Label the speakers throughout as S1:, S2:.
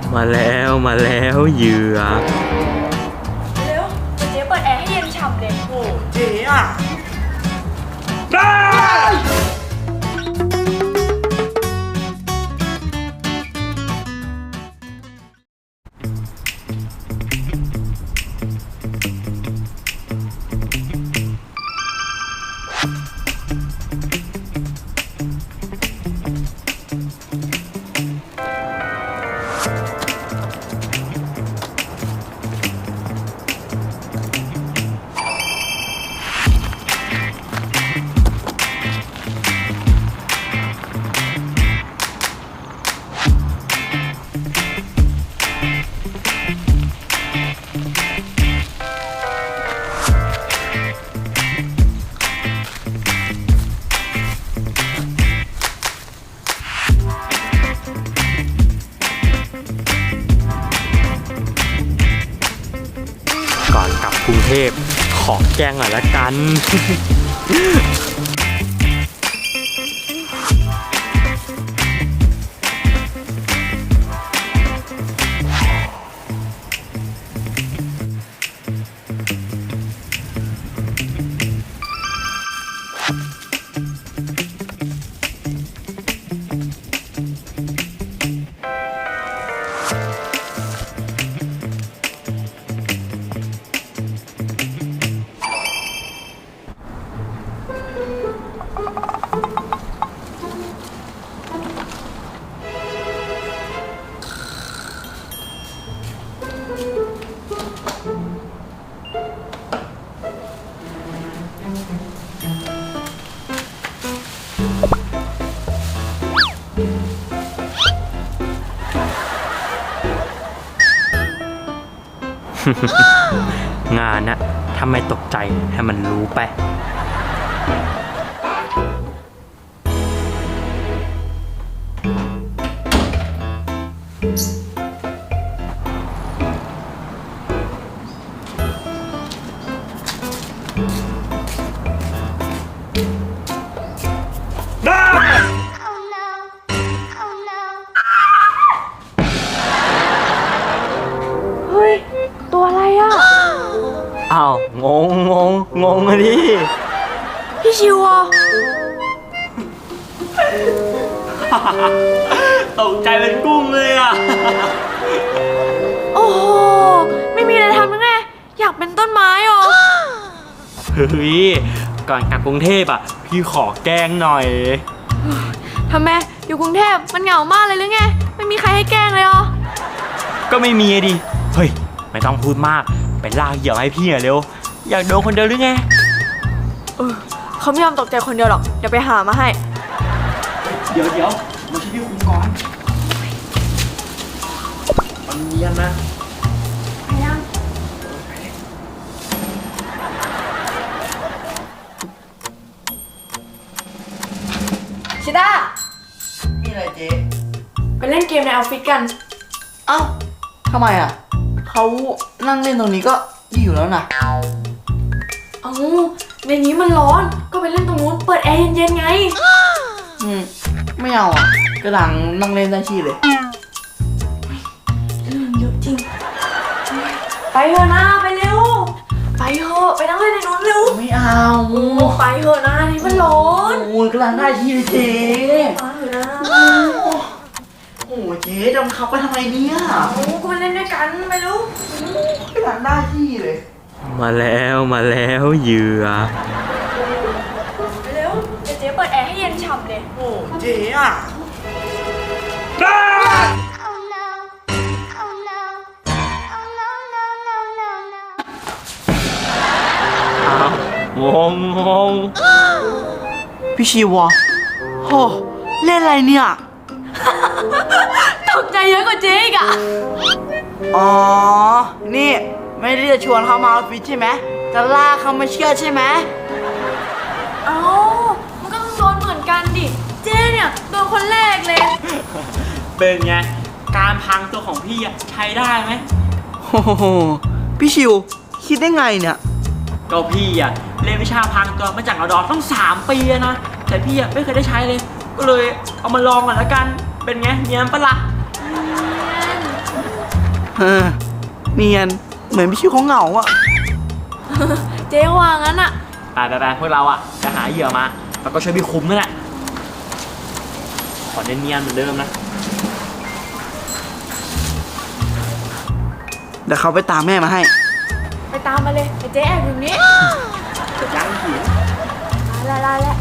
S1: มาแล้วเหยื่อ
S2: เร็วเจ๊เปิดแอร์ให้เย็นฉ่ำเลยโอ้
S3: เจ๊อ่ะ
S1: ก่อนกลับกรุงเทพขอแกล้งหน่อยละกัน งานนะถ้าไม่ตกใจให้มันรู้ไป
S2: เฮ้ยตัวอะไรอ่ะ
S1: อ้าวงงอะดิ
S2: พี่ชิวอ่ะ
S1: ตกใจเป็นกุ้งเลยอ่ะ
S2: โอ้โหไม่มีอะไรทำยังไงอยากเป็นต้นไม้หรอ
S1: เฮ้ยก่อนกลับกรุงเทพอ่ะพี่ขอแกล้งหน่อย
S2: ทำไมอยู่กรุงเทพมันเหงามากเลยหรือไงไม่มีใครให้แกล้งเลยหรอ
S1: ก็ไม่มีดิเฮ้ยไม่ต้องพูดมากไปลากเหยื่อให้พี่หน่อยเร็วอยากโดนคนเดียวหรือไง
S2: เขาไม่ยอมตกใจคนเดียวหรอกเดี๋ยวไปหามาให้
S3: เดี๋ยวมาช่วยพี่คุมก่อนมันเนียนนะ
S2: ชิต้า
S3: นี่อะไรเจ๊
S2: ไปเล่นเกมในออฟฟิศกัน
S3: เอ้าทำไมอ่ะเขานั่งเล่นตรงนี้ก็ดีอยู่แล้วนะ
S2: เอ้าในนี้มันร้อนก็ไปเล่นตรงนู้นเปิดแอร์เย็นๆไง
S3: ไม่เอาอ่ะกระดังนั่งเล่นได้ที่เลย
S2: เรื่องเยอะจริงไปเถอะนะไปเร็วไปเถอะไปนั่งเล่นในนู้นเร็ว
S3: ไม่เอา
S2: โอ้ไปเถอะนะนี่มันร้อน
S3: โอ้ยกระดังได้ที่เลยเจ๊
S2: ไปเถอะนะ
S3: โอ้ยเจ๊จะมาขับไปทำไมเนี่ย
S2: โอ้ก็ไปเล่นด้วยกันไปเร็ว
S3: กระดังได้ที่เลย
S1: มาแล้วเหยื่อ
S2: ไปเร็วเดี๋ยวเจ๊เปิดแอร์ให้เย็นฉ่ำเลย
S3: โอ้เจ๊อ่ะ
S1: อ้าวงง
S3: พี่ชีวะโหเล่นอะไรเนี่ย
S2: ตกใจเยอะกว่าเจ๊อีกอะ
S3: อ๋อ นี่ไม่ได้จะชวนเขามาออฟฟิศใช่ไหมจะลากเขามาเชื่อใช่ไหม
S2: เอ้ามันก็ต้องโดนเหมือนกันดิเจ๊เนี่ยโดนคนแรกเลย
S1: เป็นไงการพังตัวของพี่อะใช้ได้ไหม
S3: โอ้โหพี่ชิวคิดได้ไงเนี่ย
S1: ก็พี่อะเรียนวิชาพังตัวมาจากรดต้อง3 ปีนะแต่พี่อะไม่เคยได้ใช้เลยก็เลยเอามาลองก่อนละกันเป็นไงเนียนปะล่ะ
S3: เออเนียนเหมือนพี่ชิวเขาเหงาอะ
S2: เจ๊ว่างั้นอะ
S1: ไปพวกเราอ่ะจะหาเหยื่อมาแล้วก็ช่วยพี่คุ้มนั่นแหละขอเนียนๆเหมือนเดิมนะ
S3: เดี๋ยวเขาไปตามแม่มาให้
S2: ไปตามมาเลยไอ้เจ๊แอบอยู่นี้
S3: ยังหิว
S2: ลาแล้ว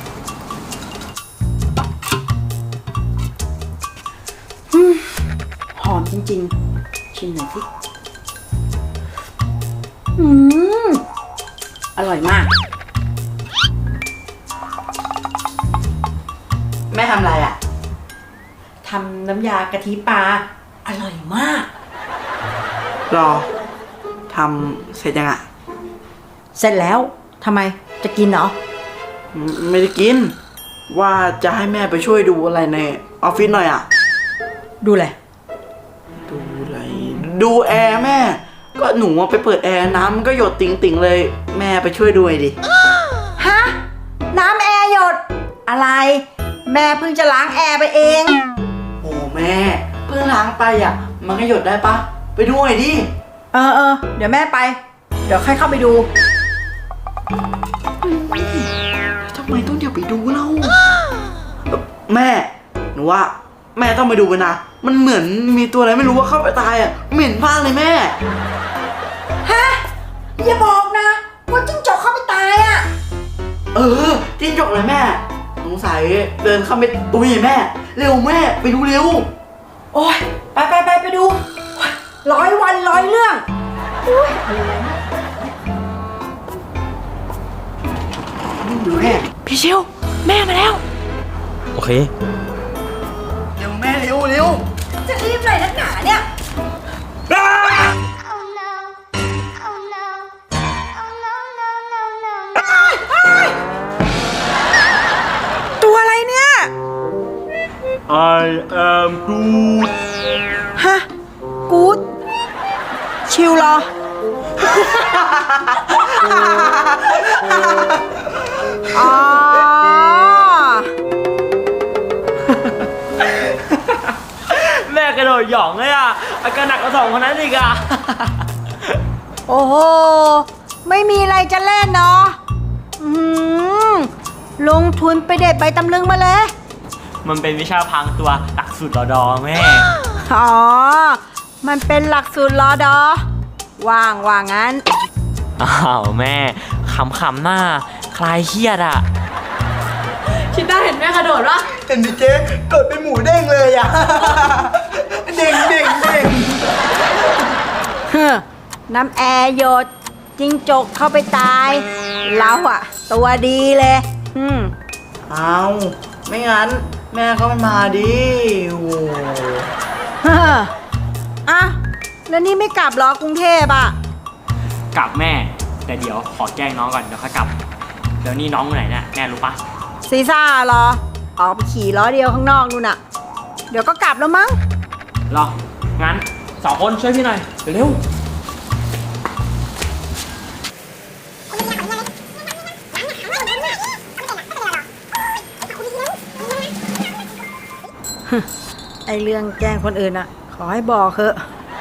S4: หอมจริงๆ ชิมหน่อยสิอร่อยมาก
S3: แม่ทำอะไรอะ
S4: ทำน้ำยากะทิปลา อร่อยมาก
S3: รอทำเสร็จยังอะ
S4: เสร็จแล้ว ทำไม จะกินเหรอ
S3: ไม่ได้กิน ว่าจะให้แม่ไปช่วยดูอะไรในออฟฟิศหน่อยอะ
S4: ดูเลย
S3: ดูอะไรดูแอร์แม่ ก็หนูอะไปเปิดแอร์น้ำมันก็หยดติ่งๆเลย แม่ไปช่วยดูหน่อยดิ
S4: ฮะ น้ำแอร์หยด อะไร แม่เพิ่งจะล้างแอร์ไปเอง
S3: โอ้แม่เพิ่งล้างไปอะมันก็หยดได้ปะไปดูหน่อยดิ
S4: เออ เดี๋ยวแม่ไป เดี๋ยวค่อยเข้าไปดู
S3: ทำไมต้องเดี๋ยวไปดูเล่าแม่หนูว่าแม่ต้องไปดูไปนะ มันเหมือนมีตัวอะไรไม่รู้ว่าเข้าไปตายอะเหม็นมากเลยแม่
S4: ฮะ อย่าบอกนะ ว่าจิ้งจกเข้าไปตายอ่ะ
S3: เออจิ้งจกเลยแม่สงสัยเดินเข้าไปตุ้ยแม่ เร็วแม่ไปดูเร็ว
S4: โอ้ยไปดู100 วัน100 เรื่องอุ้ยอะไรวะ
S3: ดูแม่
S2: พี่ชิวแม่มาแล้ว
S1: โอเค
S3: เร็วแม่เร็วเร็ว
S4: จะรีบเลยนักหนาเนี่ย
S5: Oh no. Oh no. Oh no, no, no, no.
S4: ตัวอะไรเนี่ย
S1: I am Groot
S4: ฮะ กู๊ดชิวเหรอ อ๋อ
S1: แม่กระโดดหย่องเลยอ่ะอาการหนักกว่า2คนนั้นอีกอ่ะ
S4: โอ้โห ไม่มีอะไรจะเล่นเนาะลงทุนไปเด็ดใบตำลึงมาเลย
S1: มันเป็นวิชาพรางตัวหลักสูตรรอดอแม่
S4: อ๋อ มันเป็นหลักสูตรรอดอว่างั้น
S1: อ้าวแม่ขำๆหน้าคลายเครียดอ่ะ
S2: คิดได้เห็นแม่กระโดดวะ
S3: เห็นดิเจ๊กดเป็นหมูเด้งเลยอะ เด้งเด้งเด้ง
S4: น้ำแอร์หยดจิ้งจกเข้าไปตาย เราอะตัวดีเลย
S3: เอาไม่งั้นแม่ก็ไม่มาดิโอ้
S4: อ่ะ แล้วนี่ไม่กลับเหรอกรุงเทพอะ
S1: กลับแม่ แต่เดี๋ยวขอแกล้งน้องก่อนเดี๋ยวค่อยกลับ เดี๋ยวนี้น้องอยู่ไหนเนี่ยแม่รู้ปะ
S4: ซีซ่าเหรอ ออกไปขี่ล้อเดียวข้างนอกนู่นน่ะ เดี๋ยวก็กลับแล้วมั้ง
S1: รองั้น2 คนช่วยพี่หน่อยเร็ว
S4: ไอเรื่องแกล้งคนอื่นอะขอให้บอกเถอะ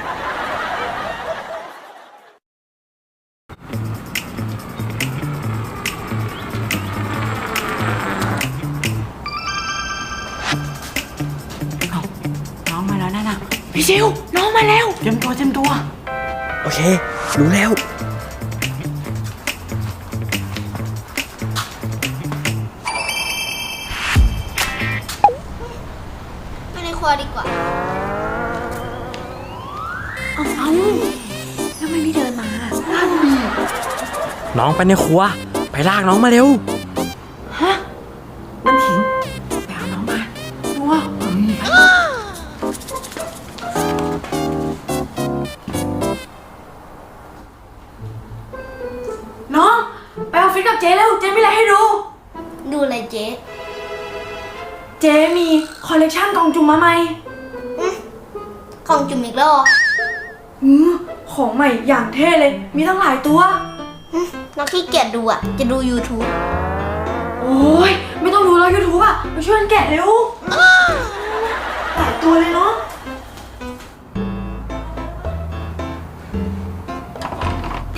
S4: น้องมาแล้วนะ
S2: พี่ชิวน้องมาแล้ว
S3: เตรียมตัวเตรียมตัว
S1: โอเค รู้แล้ว
S5: ไปในครัวดีกว่า
S1: น้องไปในครัว ไปลากน้องมาเร็ว
S2: น้องไปออฟฟิศกับเจ๊เร็วเจ๊มีอะไรให้ดู
S5: ดูอะไรเจ๊
S2: เจ๊มีคอลเลกชันกล่องจุ่มมาใหม่
S5: ของจุ่มอีกแล้วเหรอ
S2: ของใหม่อย่างเท่เลย มีตั้งหลายตัว
S5: น้องขี้เกียจดูอ่ะ จะดู YouTube
S2: โอ้ยไม่ต้องดูแล้ว YouTube อ่ะไปช่วยกันแกะเร็ว หลายตัวเลยเนาะ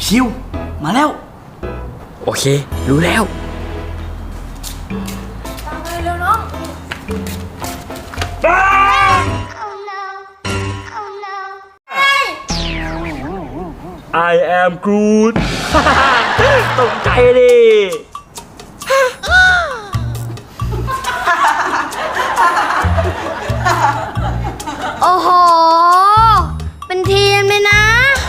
S3: ชิว มาแล้ว
S1: โอเค รู้แล้ว
S2: ตามไปเร็วน้อง
S1: I am Groot ตกใจดิ
S5: โอ้โห เป็นทีมเลยนะ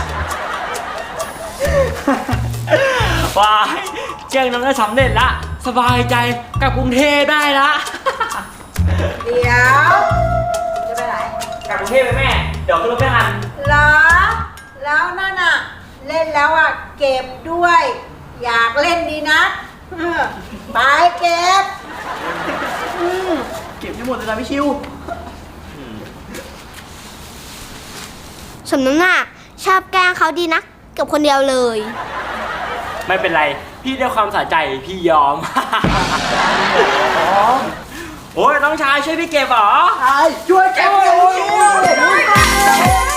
S1: ว้ายแกล้งน้องได้สำเร็จละ สบายใจกลับกรุงเทพได้ละ
S4: เดี๋ยว จะไปไหน
S1: กลับกรุงเทพไหมแม่ เดี๋ยวขึ้นรถไม่ทัน
S4: เหรอ แล้วนั่นอะเล่นแล้วอะเก็บด้วย อยากเล่นดีนะไปเก็บ
S3: เก็บให้หมดเลยนะพี่ชิว
S5: สมน้ำหน้าชอบแกล้งเขาดีนักกับคนเดียวเลย
S1: ไม่เป็นไร พี่ด้วยความสะใจพี่ยอม โอ้ยน้องชายช่วยพี่เก็บเหรอ
S3: ช่วยเก็บเลย